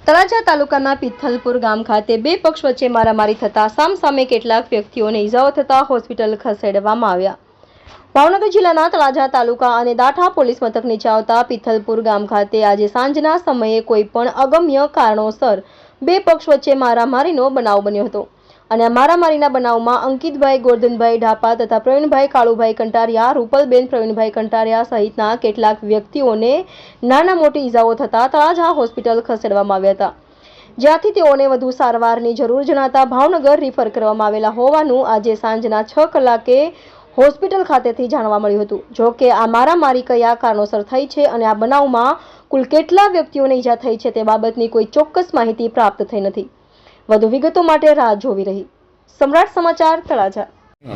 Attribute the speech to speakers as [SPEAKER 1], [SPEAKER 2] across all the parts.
[SPEAKER 1] તળાજા તાલુકાના પિથલપુર ગામ ખાતે બે પક્ષ વચ્ચે મારામારી થતા સામસામે કેટલાક વ્યક્તિઓને ઈજાઓ થતા હોસ્પિટલ ખસેડવામાં આવ્યા। ભાવનગર જિલ્લાના તળાજા તાલુકા અને દાઠા પોલીસ મથક નીચે આવતા પિથલપુર ગામ ખાતે આજે સાંજના સમયે કોઈ પણ અગમ્ય કારણોસર બે પક્ષ વચ્ચે મારામારીનો બનાવ બન્યો હતો અને આ મારામારીના બનાવમાં અંકિતભાઈ ગોરધનભાઈ ઢાપા તથા પ્રવીણભાઈ કાળુભાઈ કંટારિયા, રૂપલબેન પ્રવીણભાઈ કંટારિયા સહિતના કેટલાક વ્યક્તિઓને નાના મોટી ઈજાઓ થતા તળાજા હોસ્પિટલ ખસેડવામાં આવ્યા હતા, જ્યાંથી તેઓને વધુ સારવારની જરૂર જણાતા ભાવનગર રિફર કરવામાં આવેલા હોવાનું આજે સાંજના 6 કલાકે હોસ્પિટલ ખાતેથી જાણવા મળ્યું હતું। જો કે આ મારામારી કયા કારણોસર થઈ છે અને આ બનાવમાં કુલ કેટલા વ્યક્તિઓને ઈજા થઈ છે તે બાબતની કોઈ ચોક્કસ માહિતી પ્રાપ્ત થઈ નથી। વધુ વિગતો માટે રાહ જોવી રહી। સમ્રાટ સમાચાર તળાજા।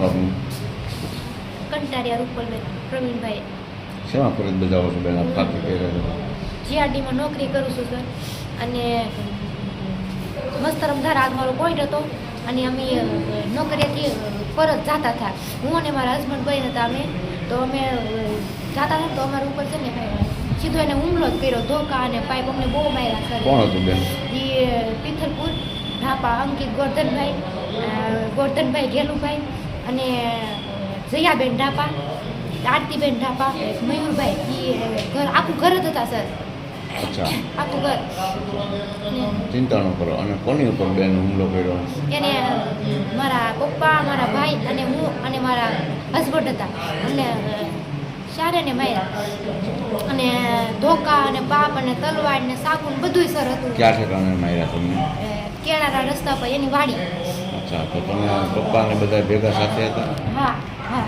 [SPEAKER 2] કંટારિયા રૂપલબેન પ્રવીણભાઈ
[SPEAKER 3] શેમાં ફરજ બજાવો છો બેન? આપ ખાતી કઈ રહ્યો છો?
[SPEAKER 2] જીઆરડીમાં નોકરી કરું છું સર, અને મસ્તરમધાર આજ મારો પોઈન્ટ હતો અને અમે નોકરીએથી પરત જતા હતા, હું અને મારા હસબન્ડ ભાઈ હતા। અમે જતા હતા તો અમારા ઉપર છે ને સીધો એને હુમલો જ કર્યો, ધોકા અને પાઇપ અમને બહુ માર્યા સર।
[SPEAKER 3] કોણ હતું બેન?
[SPEAKER 2] એ પિથલપુર ઢાપા અંકિત ગોરધનભાઈ ઘેલુભાઈ અને જયાબેન ઢાપા, આરતીબેન ઢાપા, મયુરભાઈ, એ ઘર આખું ઘર જ હતા સર।
[SPEAKER 3] અચ્છા,
[SPEAKER 2] આખું ઘર।
[SPEAKER 3] ચિંતા ન કરો। અને કોની ઉપર બેન હુમલો કર્યો?
[SPEAKER 2] એને મારા પપ્પા, મારા ભાઈ અને હું અને મારા હસબન્ડ હતા, અમને શારેને માર્યા અને ધોકા અને બાપ અને તલવાર ને સાકુન બધુંય સર હતું।
[SPEAKER 3] ક્યાં ઠેકાણે માર્યા તમને?
[SPEAKER 2] કેળાના રસ્તા પર એની વાડી।
[SPEAKER 3] અચ્છા, તો તમે પપ્પા ને બધા ભેગા સાથે હતા?
[SPEAKER 2] હા હા,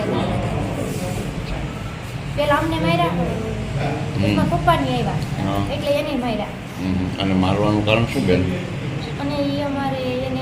[SPEAKER 2] પેલા અમને માર્યા, એમાં પપ્પાની આવ્યા એટલે એને માર્યા।
[SPEAKER 3] અને મારવાનું કારણ શું બેન?
[SPEAKER 2] અને એ અમારે એને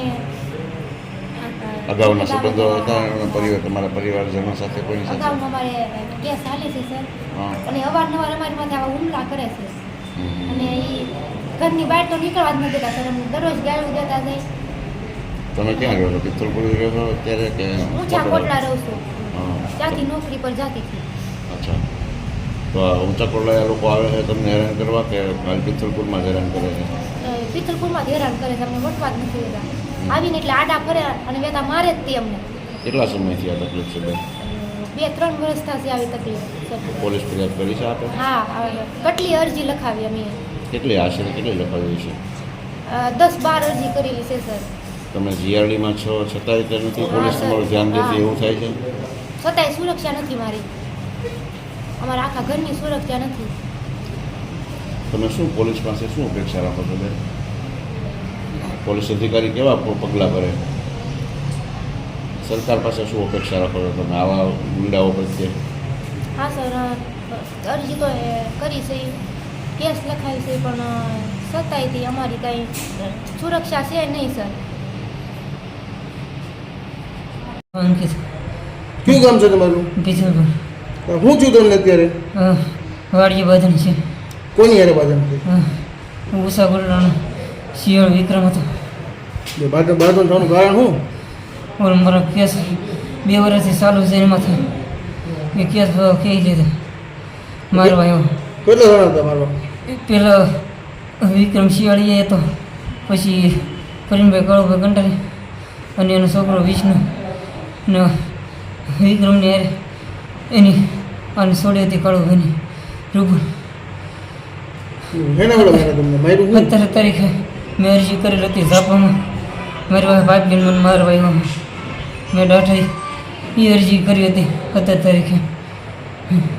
[SPEAKER 3] અગાઉના સંબંધો હતા પરિવાર, તમારા પરિવારજનો સાથે કોઈની સાથે?
[SPEAKER 2] અગાઉમાં અમારે કેસ ચાલે છે સર, અને અવારનવાર અમારી માથે આવા હુમલા કરે છે અને એ ઘરની બહાર તો નીકળવા જ નથી દેતા સર, અમને દરરોજ ગાળું દેતા જાય।
[SPEAKER 3] તમે ક્યાં રહ્યો છો? પિથલપુર રહ્યો છો અત્યારે કે?
[SPEAKER 2] હું જ્યાં કોટલા રહું છું, ત્યાંથી નોકરી પર જતી હતી।
[SPEAKER 3] અચ્છા, તો ઊંચા કોટલા લોકો આવે છે તમને હેરાન કરવા કે પિથલપુરમાં જ હેરાન કરે છે?
[SPEAKER 2] પિથલપુરમાં જ હેરાન કરે છે, અમને વટવા જ નથી દેતા। આવીને એટલે આડા ફરે અને વેતા મારે જ તે અમને।
[SPEAKER 3] કેટલા સમયથી આ તકલીફ છે બેન?
[SPEAKER 2] 2-3 વર્ષ થશે આવી તકલીફ।
[SPEAKER 3] પોલીસ ફરિયાદ કરી છે આપે?
[SPEAKER 2] હા, કેટલી અરજી લખાવી અમે?
[SPEAKER 3] કેટલી આશરે કેટલી લખાવી છે?
[SPEAKER 2] 10-12 અરજી કરેલી છે સર।
[SPEAKER 3] તમે જીઆરડીમાં છો છતાંય તે નથી પોલીસ તમારું ધ્યાન દેતી એવું થાય છે?
[SPEAKER 2] છતાંય સુરક્ષા નથી મારી, અમારા આખા ઘરની સુરક્ષા નથી।
[SPEAKER 3] તમે શું પોલીસ પાસે શું અપેક્ષા રાખો છો બેન? પોલીસ અધિકારી કેવા પગલાં ભરે? સરકાર પાસે શું અપેક્ષા રાખો છો તમે આવા ગુંડાઓ પ્રત્યે?
[SPEAKER 2] હા સર, અરજી તો કરી છે, કેસ લખાવી છે, પણ છતાંયથી અમારી કાંઈ સુરક્ષા છે નહીં સર।
[SPEAKER 4] અંકિત,
[SPEAKER 5] કયું ગામ છે તમારું?
[SPEAKER 4] પિથલપુર।
[SPEAKER 5] હું છું તમને અત્યારે?
[SPEAKER 4] વાડીએ બાંધણ છે।
[SPEAKER 5] કોની યારે બાંધણ છે?
[SPEAKER 4] ઉષા ગોરડાનો શિયાળ વિક્રમ હતો।
[SPEAKER 5] બાંધણ થવાનું કારણ શું?
[SPEAKER 4] ઓર મારો કેસ 2 વર્ષથી ચાલુ છે, એમાંથી એ કેસ કહી લીધા મારવા આવ્યો।
[SPEAKER 5] કેટલા જણા હતા મારવા?
[SPEAKER 4] પેલો વિક્રમ શિયાળી હતો, પછી પ્રવીણભાઈ કાળુભાઈ કંટારી અને એનો છોકરો વિષ્ણુ ને વિક્રમની યારે એની અને છોડી હતી કાળુભાઈની રૂબલ।
[SPEAKER 5] એના વડે મારે તમને માર્યું?
[SPEAKER 4] 17 તારીખે મેં અરજી કરેલી હતી ઝાપામાં, મારી પાસે પાઇપ લઈને મને મારવા આવ્યો। મેં દાઠાઈ એ અરજી કરી હતી 17 તારીખે।